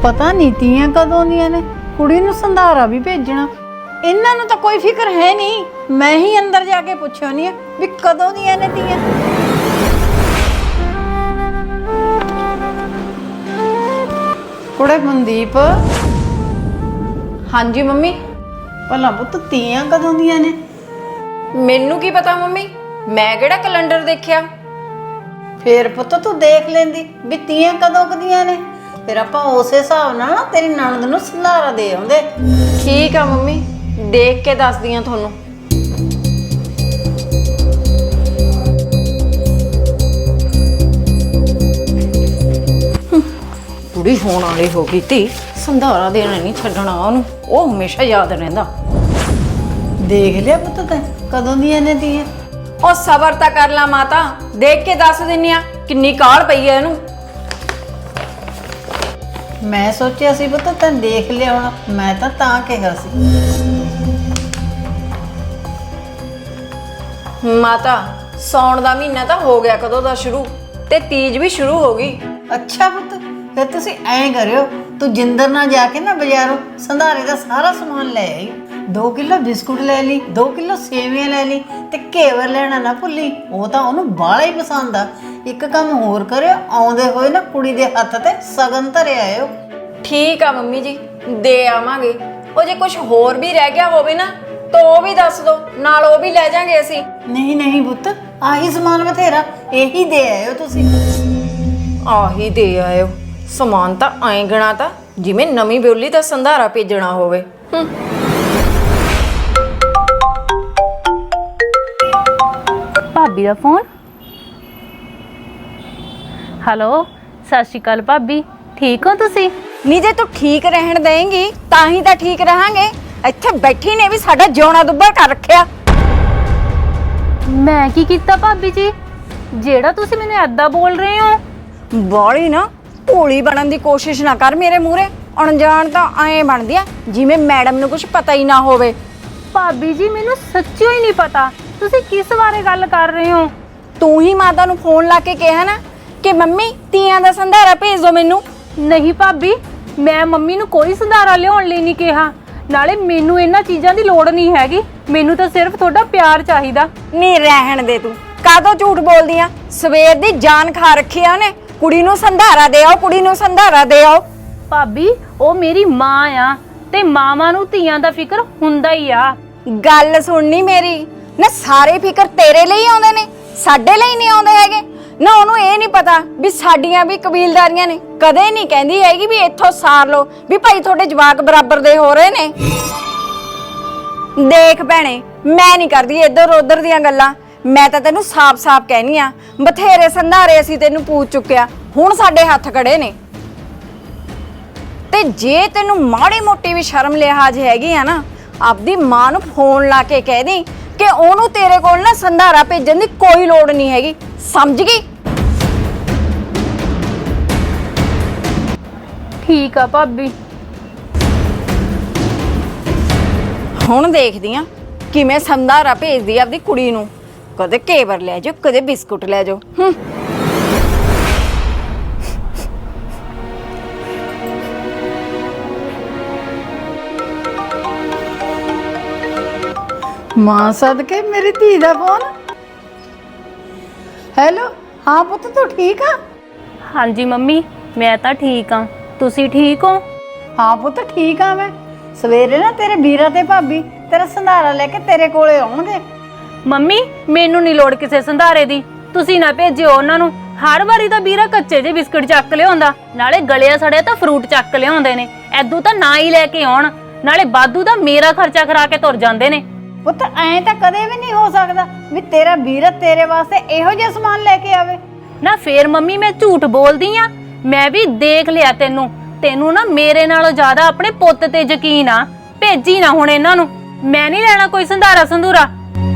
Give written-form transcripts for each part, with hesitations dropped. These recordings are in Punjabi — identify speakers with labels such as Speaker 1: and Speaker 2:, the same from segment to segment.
Speaker 1: ਪਤਾ ਨਹੀਂ ਤੀਆਂ ਕਦੋਂ ਦੀਆਂ ਨੇ। ਕੁੜੀ ਨੂੰ ਸੰਧਾਰਾ ਵੀ ਭੇਜਣਾ, ਇਹਨਾਂ ਨੂੰ ਤਾਂ ਕੋਈ ਫਿਕਰ ਹੈ ਨਹੀਂ। ਮੈਂ ਹੀ ਅੰਦਰ ਜਾ ਕੇ ਪੁੱਛਿਆ ਨਹੀਂ ਵੀ ਕਦੋਂ ਦੀਆਂ ਨੇ ਤੀਆਂ। ਕੁੜੇ ਮਨਦੀਪ,
Speaker 2: ਹਾਂਜੀ ਮੰਮੀ।
Speaker 1: ਭਲਾ ਪੁੱਤ ਤੀਆਂ ਕਦੋਂ ਦੀਆਂ ਨੇ?
Speaker 2: ਮੈਨੂੰ ਕੀ ਪਤਾ ਮੰਮੀ, ਮੈਂ ਕਿਹੜਾ ਕੈਲੰਡਰ ਦੇਖਿਆ।
Speaker 1: ਫੇਰ ਪੁੱਤ ਤੂੰ ਦੇਖ ਲੈਂਦੀ ਵੀ ਤੀਆਂ ਕਦੋਂ ਕਦੀਆਂ ਨੇ, ਫਿਰ ਆਪਾਂ ਉਸੇ ਹਿਸਾਬ ਨਾਲ ਤੇਰੀ ਨਣਦ ਨੂੰ ਸੰਧਾਰਾ ਦੇ ਆਉਂਦੇ।
Speaker 2: ਠੀਕ ਆ ਮੰਮੀ, ਦੇਖ ਕੇ ਦੱਸਦੀ ਆ ਤੁਹਾਨੂੰ। ਕੁੜੀ ਹੋਣ ਵਾਲੀ ਹੋ ਗਈ ਤੀ, ਸੰਧਾਰਾ ਦੇਣਾ ਨਹੀਂ ਛੱਡਣਾ ਉਹਨੂੰ, ਉਹ ਹਮੇਸ਼ਾ ਯਾਦ ਰਹਿੰਦਾ।
Speaker 1: ਦੇਖ ਲਿਆ ਪੁੱਤ ਤੈਂ ਕਦੋਂ ਦੀਆਂ ਨੇ ਤੀਆਂ?
Speaker 2: ਉਹ ਸਬਰ ਤਾਂ ਕਰ ਲਾ ਮਾਤਾ, ਦੇਖ ਕੇ ਦੱਸ ਦਿੰਨੀ ਆ ਕਿੰਨੀ ਕਾਹਲ ਪਈ ਐ ਇਹਨੂੰ।
Speaker 1: ਮੈਂ ਸੋਚਿਆ ਸੀ ਪੁੱਤ ਤੈਂ ਦੇਖ ਲਿਆ ਹੋਣਾ, ਮੈਂ ਤਾਂ ਕਿਹਾ ਸੀ।
Speaker 2: ਮਾਤਾ ਸੌਣ ਦਾ ਮਹੀਨਾ ਤਾਂ ਹੋ ਗਿਆ ਕਦੋਂ ਦਾ ਸ਼ੁਰੂ, ਤੇ ਤੀਜ ਵੀ ਸ਼ੁਰੂ ਹੋ ਗਈ।
Speaker 1: ਅੱਛਾ ਪੁੱਤ, ਫਿਰ ਤੁਸੀਂ ਐਂ ਕਰਿਓ, ਤੂੰ ਜਿੰਦਰ ਨਾਲ ਜਾ ਕੇ ਨਾ ਬਾਜ਼ਾਰੋਂ ਸੰਧਾਰੇ ਦਾ ਸਾਰਾ ਸਮਾਨ ਲੈ ਆਈ। 2 ਕਿਲੋ ਬਿਸਕੁਟ ਲੈ ਲਈ, 2 ਕਿਲੋ ਸੇਵੀਆਂ ਲੈ ਲਈ, ਤੇ ਘੇਵਰ ਲੈਣਾ ਨਾ ਭੁੱਲੀ, ਉਹ ਤਾਂ ਉਹਨੂੰ ਬਾਹਲਾ ਹੀ ਪਸੰਦ ਆ। ਇੱਕ ਕੰਮ ਹੋਰ ਕਰਿਓ, ਆਉਂਦੇ ਹੋਏ ਨਾ ਕੁੜੀ ਦੇ ਹੱਥ ਤੇ ਸਗਨ ਧਰੇ ਆਇਓ।
Speaker 2: ਠੀਕ ਆ ਮੰਮੀ ਜੀ, ਦੇ ਆਵਾਂਗੇ। ਉਹ ਜੇ ਕੁਝ ਹੋਰ ਵੀ ਰਹਿ ਗਿਆ ਹੋਵੇ ਨਾ ਤਾਂ ਉਹ ਵੀ ਦੱਸ ਦੋ, ਨਾਲ ਉਹ ਵੀ ਲੈ ਜਾਾਂਗੇ ਅਸੀਂ।
Speaker 1: ਨਹੀਂ ਨਹੀਂ ਪੁੱਤ, ਆਹੀ ਸਮਾਨ ਬਥੇਰਾ, ਇਹੀ ਦੇ ਆਇਓ ਤੁਸੀਂ।
Speaker 2: ਆਹੀ ਦੇ ਆਇਓ, ਸਮਾਨ ਤਾਂ ਐਂ ਗਣਾ ਤਾ ਜਿਵੇਂ ਨਵੀਂ ਬਿਉਲੀ ਦਾ ਸੰਧਾਰਾ ਭੇਜਣਾ ਹੋਵੇ।
Speaker 3: ਭਾਬੀ ਦਾ ਫੋਨ। ਹੈਲੋ, ਸਤਿ ਸ਼੍ਰੀ ਅਕਾਲ ਭਾਬੀ, ਠੀਕ ਹੋ ਤੁਸੀਂ?
Speaker 2: ਨਹੀਂ ਜੇ ਤੂੰ ਠੀਕ ਰਹਿਣ ਦੇਂਗੀ ਤਾਂ ਹੀ ਤਾਂ ਠੀਕ ਰਹਾਂਗੇ। ਇੱਥੇ ਬੈਠੀ ਨੇ ਵੀ ਸਾਡਾ ਜਿਉਣਾ ਦੁੱਬਰ ਕਰ ਰੱਖਿਆ।
Speaker 3: ਮੈਂ ਕੀ ਕੀਤਾ ਭਾਬੀ ਜੀ, ਜਿਹੜਾ ਤੁਸੀਂ ਮੈਨੂੰ ਏਦਾਂ ਬੋਲ ਰਹੇ ਹੋ?
Speaker 2: ਬਾਲੀ ਨਾ ਭੋਲੀ ਬਣਨ ਦੀ ਕੋਸ਼ਿਸ਼ ਨਾ ਕਰ ਮੇਰੇ ਮੂਹਰੇ। ਅਣਜਾਣ ਤਾਂ ਐਂ ਬਣਦੀ ਆ ਜਿਵੇਂ ਮੈਡਮ ਨੂੰ ਕੁਝ ਪਤਾ ਹੀ ਨਾ ਹੋਵੇ।
Speaker 3: ਭਾਬੀ ਜੀ ਮੈਨੂੰ ਸੱਚੀ ਹੀ ਨਹੀਂ ਪਤਾ ਤੁਸੀਂ ਕਿਸ ਬਾਰੇ ਗੱਲ ਕਰ ਰਹੇ ਹੋ।
Speaker 2: ਤੂੰ ਹੀ ਮਾਤਾ ਨੂੰ ਫੋਨ ਲਾ ਕੇ ਕਿਹਾ ਨਾ ਕਿ ਮੰਮੀ ਤੀਆਂ ਦਾ ਸੰਧਾਰਾ ਭੇਜ ਦਿਓ ਮੈਨੂੰ।
Speaker 3: ਨਹੀਂ ਭਾਬੀ, ਮੈਂ ਮੰਮੀ ਨੂੰ ਕੋਈ ਸੰਧਾਰਾ ਲਿਆਉਣ ਲਈ ਨਹੀਂ ਕਿਹਾ, ਨਾਲੇ ਮੈਨੂੰ ਇਹਨਾਂ ਚੀਜ਼ਾਂ ਦੀ ਲੋੜ ਨਹੀਂ ਹੈਗੀ। ਮੈਨੂੰ ਤਾਂ ਸਿਰਫ ਤੁਹਾਡਾ ਪਿਆਰ ਚਾਹੀਦਾ।
Speaker 2: ਨਹੀਂ ਰਹਿਣ ਦੇ, ਤੂੰ ਕਾਹਦੋਂ ਝੂਠ ਬੋਲਦੀ ਆ? ਸਵੇਰ ਦੀ ਜਾਨ ਖਾ ਰੱਖੀ ਆ ਉਹਨੇ, ਕੁੜੀ ਨੂੰ ਸੰਧਾਰਾ ਦੇ ਆਓ, ਕੁੜੀ ਨੂੰ ਸੰਧਾਰਾ ਦੇ ਆਓ।
Speaker 3: ਭਾਬੀ ਉਹ ਮੇਰੀ ਮਾਂ ਆ, ਤੇ ਮਾਵਾਂ ਨੂੰ ਧੀਆਂ ਦਾ ਫਿਕਰ ਹੁੰਦਾ ਹੀ ਆ।
Speaker 2: ਗੱਲ ਸੁਣਨੀ ਮੇਰੀ ਨਾ, ਸਾਰੇ ਫਿਕਰ ਤੇਰੇ ਲਈ ਆਉਂਦੇ ਨੇ, ਸਾਡੇ ਲਈ ਨਹੀਂ ਆਉਂਦੇ ਹੈਗੇ ਨਾ। ਉਹਨੂੰ ਇਹ ਨਹੀਂ ਪਤਾ ਵੀ ਸਾਡੀਆਂ ਵੀ ਕਬੀਲਦਾਰੀਆਂ ਨੇ। ਕਦੇ ਨਹੀਂ ਕਹਿੰਦੀ ਹੈਗੀ ਵੀ ਇੱਥੋਂ ਸਾਰ ਲਓ ਵੀ ਭਾਈ ਤੁਹਾਡੇ ਜਵਾਕ ਬਰਾਬਰ ਦੇ ਹੋ ਰਹੇ ਨੇ। ਦੇਖ ਭੈਣੇ, ਮੈਂ ਨਹੀਂ ਕਰਦੀ ਇੱਧਰ ਉੱਧਰ ਦੀਆਂ ਗੱਲਾਂ। ਮੈਂ ਤਾਂ ਤੈਨੂੰ ਸਾਫ਼-ਸਾਫ਼ ਕਹਿਨੀ ਆ, ਬਥੇਰੇ ਸੰਧਾਰੇ ਅਸੀਂ ਤੈਨੂੰ ਪੂਛ ਚੁੱਕਿਆ, ਹੁਣ ਸਾਡੇ ਹੱਥ ਖੜੇ ਨੇ। ਤੇ ਜੇ ਤੈਨੂੰ ਮਾੜੀ ਮੋਟੀ ਵੀ ਸ਼ਰਮ ਲਿਹਾਜ਼ ਹੈਗੀ ਆ ਨਾ, ਆਪਦੀ ਮਾਂ ਨੂੰ ਫੋਨ ਲਾ ਕੇ ਕਹਿ ਦੀ ਕਿ ਉਹਨੂੰ ਤੇਰੇ ਕੋਲ ਨਾ ਸੰਧਾਰਾ ਭੇਜਣ ਦੀ ਕੋਈ ਲੋੜ ਨਹੀਂ ਹੈਗੀ, ਸਮਝ ਗਈ?
Speaker 3: ਠੀਕ ਆ ਭਾਬੀ।
Speaker 2: ਹੁਣ ਦੇਖਦੀ ਆ ਕਿਵੇਂ ਸੰਧਾਰਾ ਭੇਜਦੀ ਆ ਆਪਦੀ ਕੁੜੀ ਨੂੰ। ਕਦੇ ਘੇਵਰ ਲੈ ਜਾਓ, ਕਦੇ ਬਿਸਕੁਟ ਲੈ ਜਾਓ।
Speaker 1: ਮਾਂ ਸਦਕੇ ਮੇਰੀ ਧੀ ਦਾ ਫੋਨ। ਹੈਲੋ, ਹਾਂ ਪੁੱਤ ਤੂੰ ਠੀਕ ਆ?
Speaker 3: ਹਾਂਜੀ ਮੰਮੀ, ਮੈਂ ਤਾਂ ਠੀਕ ਆ, ਤੁਸੀਂ ਠੀਕ ਹੋ?
Speaker 1: ਹਾਂ ਪੁੱਤ ਠੀਕ ਆ ਮੈਂ। ਸਵੇਰੇ ਨਾ ਤੇਰੇ ਵੀਰਾ ਤੇ ਭਾਬੀ ਤੇਰਾ ਸੰਧਾਰਾ ਲੈ ਕੇ ਤੇਰੇ ਕੋਲੇ ਆਉਣਗੇ।
Speaker 3: ਮੰਮੀ ਮੈਨੂੰ ਨਹੀਂ ਲੋੜ ਕਿਸੇ ਸੰਧਾਰੇ ਦੀ, ਤੁਸੀਂ ਨਾ ਭੇਜਿਓ ਉਹਨਾਂ ਨੂੰ। ਹਰ ਵਾਰੀ ਤਾਂ ਵੀਰਾ ਕੱਚੇ ਜਿਹੇ ਬਿਸਕੁਟ ਚੱਕ ਲਿਆਉਂਦਾ, ਨਾਲੇ ਗਲਿਆ ਸੜਿਆ ਤਾਂ ਫਰੂਟ ਚੱਕ ਲਿਆਉਂਦੇ ਨੇ। ਐਦੂ ਤਾਂ ਨਾ ਹੀ ਲੈ ਕੇ ਆਉਣ, ਨਾਲੇ ਬਾਦੂ ਦਾ ਮੇਰਾ ਖਰਚਾ ਕਰਾ ਕੇ ਤੁਰ ਜਾਂਦੇ ਨੇ।
Speaker 1: ਪੁੱਤ ਐਂ ਤਾਂ ਕਦੇ ਵੀ ਨਹੀਂ ਹੋ ਸਕਦਾ ਵੀ ਤੇਰਾ ਵੀਰਾ ਤੇਰੇ ਵਾਸਤੇ ਇਹੋ ਜਿਹਾ ਸਮਾਨ ਲੈ ਕੇ ਆਵੇ।
Speaker 3: ਨਾ ਫੇਰ ਮੰਮੀ ਮੈਂ ਝੂਠ ਬੋਲਦੀ ਆ? ਮੈਂ ਵੀ ਦੇਖ ਲਿਆ ਤੈਨੂੰ ਨਾ ਮੇਰੇ ਨਾਲੋਂ ਜ਼ਿਆਦਾ ਆਪਣੇ ਪੁੱਤ ਤੇ ਯਕੀਨ ਆ। ਭੇਜੀ ਨਾ ਹੁਣ ਇਹਨਾਂ ਨੂੰ, ਮੈਂ ਨਹੀਂ ਲੈਣਾ ਕੋਈ ਸੰਧਾਰਾ ਸੰਧੂਰਾ।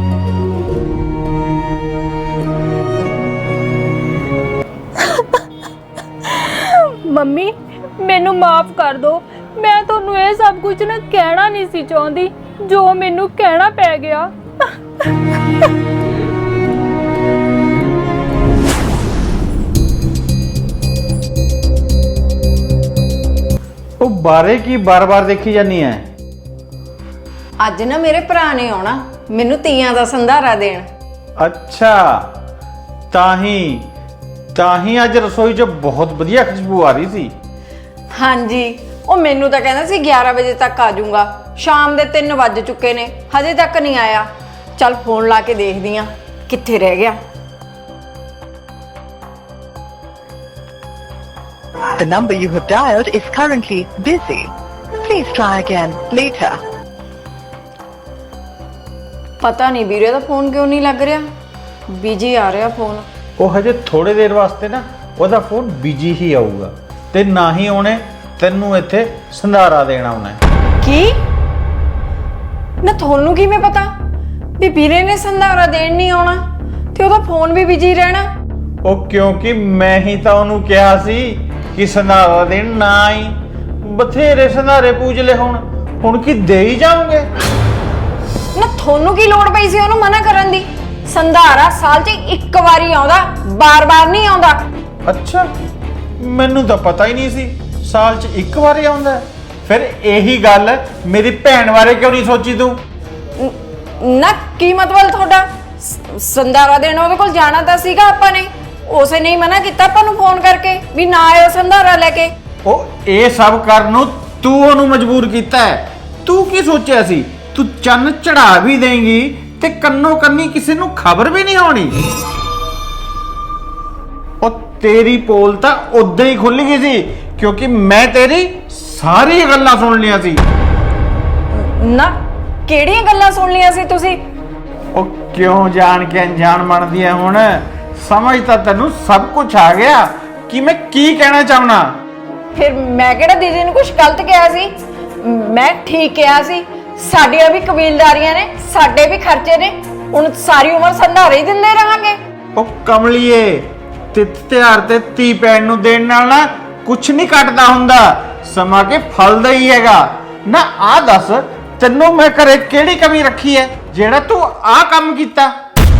Speaker 3: ਮੰਮੀ ਮੈਨੂੰ ਮਾਫ ਕਰ ਦਿਓ, ਮੈਂ ਤੁਹਾਨੂੰ ਇਹ ਸਭ ਕੁਝ ਨਾ ਕਹਿਣਾ ਨਹੀਂ ਸੀ ਚਾਹੁੰਦੀ, ਜੋ ਮੈਨੂੰ ਕਹਿਣਾ ਪੈ ਗਿਆ।
Speaker 4: ਉਹ ਬਾਰੇ ਕੀ ਬਾਰ-ਬਾਰ ਦੇਖੀ ਜਾਨੀ ਐ?
Speaker 2: ਅੱਜ ਨਾ ਮੇਰੇ ਭਰਾ ਨੇ ਆਉਣਾ ਮੈਨੂੰ ਤੀਆਂ ਦਾ ਸੰਧਾਰਾ ਦੇਣ।
Speaker 4: ਅੱਛਾ, ਤਾਂ ਹੀ ਅੱਜ ਰਸੋਈ 'ਚ ਬਹੁਤ ਵਧੀਆ ਖੁਸ਼ਬੂ ਆ ਰਹੀ ਸੀ।
Speaker 2: ਹਾਂਜੀ, ਉਹ ਮੈਨੂੰ ਤਾਂ ਕਹਿੰਦਾ ਸੀ 11 ਵਜੇ ਤੱਕ ਆ ਜਾਊਗਾ। ਸ਼ਾਮ ਦੇ 3 ਵੱਜ ਚੁੱਕੇ ਨੇ, ਹਜੇ ਤੱਕ ਨਹੀਂ ਆਇਆ। ਚੱਲ ਫੋਨ ਲਾ ਕੇ ਦੇਖਦੀ ਆ ਕਿੱਥੇ ਰਹਿ ਗਿਆ।
Speaker 5: The number you have dialed is currently busy. Please try again later.
Speaker 2: ਪਤਾ ਨਹੀਂ ਵੀਰੇ ਦਾ ਫੋਨ ਕਿਉਂ ਨਹੀਂ ਲੱਗ ਰਿਹਾ, ਬਿਜੀ ਆ ਰਿਹਾ ਫੋਨ।
Speaker 4: ਉਹ ਹਜੇ ਥੋੜੇ ਦੇਰ ਵਾਸਤੇ ਨਾ ਉਹਦਾ ਫੋਨ ਬਿਜੀ ਹੀ ਆਊਗਾ ਤੇ ਨਾ ਹੀ ਉਹਨੇ ਤੈਨੂੰ ਇੱਥੇ ਸੰਧਾਰਾ ਦੇਣਾ ਆਉਣਾ ਹੈ।
Speaker 2: ਕੀ ਨਾ ਤੁਹਾਨੂੰ ਕਿਵੇਂ ਪਤਾ ਵੀ ਵੀਰੇ ਨੇ ਸੰਧਾਰਾ ਦੇਣ ਨਹੀਂ ਆਉਣਾ ਤੇ ਉਹਦਾ ਫੋਨ ਵੀ ਬਿਜੀ ਰਹਿਣਾ?
Speaker 4: ਉਹ ਕਿਉਂਕਿ ਮੈਂ ਹੀ ਤਾਂ ਉਹਨੂੰ ਕਿਹਾ ਸੀ ਕਿ ਸੰਧਾਰਾ ਦੇਣ ਨਾ ਆਈ। ਬਥੇਰੇ ਸੰਧਾਰੇ ਪੂਜ ਲੈ, ਹੁਣ ਕੀ ਦੇ ਹੀ ਜਾਓਗੇ?
Speaker 2: ਨਾ ਤੁਹਾਨੂੰ ਕੀ ਲੋੜ ਪਈ ਸੀ ਉਹਨੂੰ ਮਨਾ ਕਰਨ ਦੀ? ਸੰਧਾਰਾ ਸਾਲ 'ਚ ਇੱਕ ਵਾਰੀ ਆਉਂਦਾ, ਬਾਰ-ਬਾਰ ਨਹੀਂ ਆਉਂਦਾ।
Speaker 4: ਅੱਛਾ, ਮੈਨੂੰ ਤਾਂ ਪਤਾ ਹੀ ਨਹੀਂ ਸੀ ਸਾਲ 'ਚ ਇੱਕ ਵਾਰੀ ਆਉਂਦਾ ਹੈ। ਫਿਰ ਇਹੀ ਗੱਲ ਮੇਰੀ ਭੈਣ ਬਾਰੇ ਕਿਉਂ ਨਹੀਂ ਸੋਚੀ ਤੂੰ?
Speaker 2: ਨਾ ਕੀ ਮਤਲਬ ਤੁਹਾਡਾ? ਸੰਧਾਰਾ ਦੇਣ ਉਹਦੇ ਕੋਲ ਜਾਣਾ ਤਾਂ ਸੀਗਾ ਆਪਾਂ ਨੇ, ਉਸੇ ਨੇ ਹੀ ਮਨਾ ਕੀਤਾ ਆਪਾਂ ਨੂੰ ਫੋਨ ਕਰਕੇ ਵੀ ਨਾ ਆਇਓ ਸੰਧਾਰਾ ਲੈ ਕੇ।
Speaker 4: ਉਹ ਇਹ ਸਭ ਕਰਨ ਨੂੰ ਤੂੰ ਉਹਨੂੰ ਮਜਬੂਰ ਕੀਤਾ ਹੈ। ਤੂੰ ਕੀ ਸੋਚਿਆ ਸੀ ਤੂੰ ਚੰਨ ਚੜਾ ਵੀ ਦੇਂਗੀ ਤੇ ਕੰਨੋ ਕੰਨੀ ਕਿਸੇ ਨੂੰ ਖਬਰ ਵੀ ਨਹੀਂ ਹੋਣੀ? ਉਹ ਤੇਰੀ ਪੋਲ ਤਾਂ ਉਦਾਂ ਹੀ ਖੁੱਲ ਗਈ ਸੀ ਕਿਉਂਕਿ ਮੈਂ ਤੇਰੀ ਸਾਰੀ ਗੱਲਾਂ ਸੁਣ ਲਈਆਂ ਸੀ।
Speaker 2: ਨਾ ਕਿਹੜੀਆਂ ਗੱਲਾਂ ਸੁਣ ਲਈਆਂ ਸੀ ਤੁਸੀਂ?
Speaker 4: ਉਹ ਕਿਉਂ ਜਾਣ ਕੇ ਅਣਜਾਣ ਬਣਦੀ ਹੈ? ਹੁਣ ਸਮਝ ਤਾਂ ਤੈਨੂੰ ਸਭ ਕੁਝ ਆ ਗਿਆ ਕਿ ਮੈਂ ਕੀ ਕਹਿਣਾ ਚਾਹਣਾ।
Speaker 2: ਫਿਰ ਮੈਂ ਕਿਹੜਾ ਦੀਦੀ ਨੂੰ ਕੁਝ ਗਲਤ ਕਿਹਾ ਸੀ? ਮੈਂ ਠੀਕ ਕਿਹਾ ਸੀ। ਸਾਡੀਆਂ ਵੀ ਕਬੀਲਦਾਰੀਆਂ ਨੇ, ਸਾਡੇ ਵੀ ਖਰਚੇ ਨੇ, ਹੁਣ ਸਾਰੀ ਉਮਰ ਸੰਧਾਰੇ ਹੀ ਦਿੰਦੇ ਰਹਾਂਗੇ।
Speaker 4: ਉਹ ਕਮਲੀਏ, ਤਿਉਹਾਰ ਤੇ ਧੀ ਭੈਣ ਨੂੰ ਦੇਣ ਨਾਲ ਨਾ ਕੁਛ ਨਹੀਂ ਘਟਦਾ ਹੁੰਦਾ, ਸਮਾਂ ਕੇ ਫਲ ਦਾ ਹੀ ਹੈਗਾ ਨਾ। ਆਹ ਦੱਸ ਤੈਨੂੰ ਮੈਂ ਘਰੇ ਕਿਹੜੀ ਕਮੀ ਰੱਖੀ ਹੈ ਜਿਹੜਾ ਤੂੰ ਆਹ ਕੰਮ ਕੀਤਾ?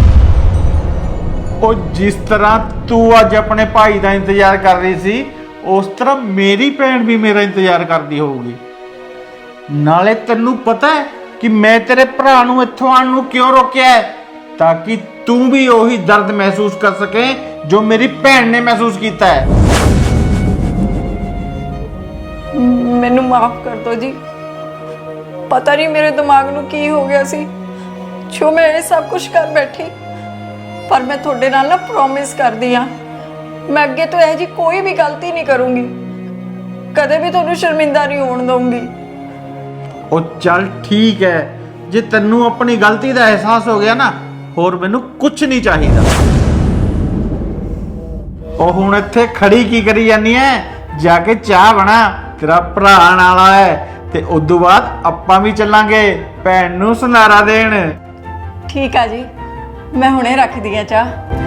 Speaker 4: ਉਹ ਜਿਸ ਤਰ੍ਹਾਂ ਤੂੰ ਅੱਜ ਆਪਣੇ ਭਾਈ ਦਾ ਇੰਤਜ਼ਾਰ ਕਰ ਰਹੀ ਸੀ ਉਸ ਤਰ੍ਹਾਂ ਮੇਰੀ ਭੈਣ ਵੀ ਮੇਰਾ ਇੰਤਜ਼ਾਰ ਕਰਦੀ ਹੋਊਗੀ। ਨਾਲੇ ਤੈਨੂੰ ਪਤਾ ਹੈ ਕਿ ਮੈਂ ਤੇਰੇ ਭਰਾ ਨੂੰ ਇੱਥੋਂ ਆਉਣ ਨੂੰ ਕਿਉਂ ਰੋਕਿਆ ਹੈ? ਤਾਂ ਕਿ ਤੂੰ ਵੀ ਉਹੀ ਦਰਦ ਮਹਿਸੂਸ ਕਰ ਸਕੇ ਜੋ ਮੇਰੀ ਭੈਣ ਨੇ ਮਹਿਸੂਸ ਕੀਤਾ ਹੈ।
Speaker 2: ਮੈਨੂੰ ਮਾਫ ਕਰ ਦਿਓ ਜੀ, ਪਤਾ ਨਹੀਂ ਮੇਰੇ ਦਿਮਾਗ ਨੂੰ ਕੀ ਹੋ ਗਿਆ ਸੀ ਜੋ ਮੈਂ ਇਹ ਸਭ ਕੁਝ ਕਰ ਬੈਠੀ। ਪਰ ਮੈਂ ਤੁਹਾਡੇ ਨਾਲ ਨਾ ਪ੍ਰੋਮਿਸ ਕਰਦੀ ਆ, ਮੈਂ ਅੱਗੇ ਤੋਂ ਇਹ ਜੀ ਕੋਈ ਵੀ ਗਲਤੀ ਨਹੀਂ ਕਰੂੰਗੀ, ਕਦੇ ਵੀ ਤੁਹਾਨੂੰ ਸ਼ਰਮਿੰਦਾ ਨਹੀਂ ਹੋਣ ਦਊਂਗੀ।
Speaker 4: ਉਹ ਚੱਲ ਠੀਕ ਹੈ, ਜੇ ਤੈਨੂੰ ਆਪਣੀ ਗਲਤੀ ਦਾ ਅਹਿਸਾਸ ਹੋ ਗਿਆ ਨਾ, ਹੋਰ ਮੈਨੂੰ ਕੁਝ ਨਹੀਂ ਚਾਹੀਦਾ। ਉਹ ਹੁਣ ਇੱਥੇ ਖੜੀ ਕੀ ਕਰੀ ਜਾਨੀ ਐ? ਜਾ ਕੇ ਚਾਹ ਬਣਾ, ਤੇਰਾ ਭਰਾ ਆਉਣ ਵਾਲਾ ਹੈ ਤੇ ਉਦੋਂ ਬਾਅਦ ਆਪਾਂ ਵੀ ਚੱਲਾਂਗੇ ਭੈਣ ਨੂੰ ਸੰਧਾਰਾ ਦੇਣ।
Speaker 2: ਠੀਕ ਆ ਜੀ, ਮੈਂ ਹੁਣੇ ਰੱਖਦੀ ਆ ਚਾਹ।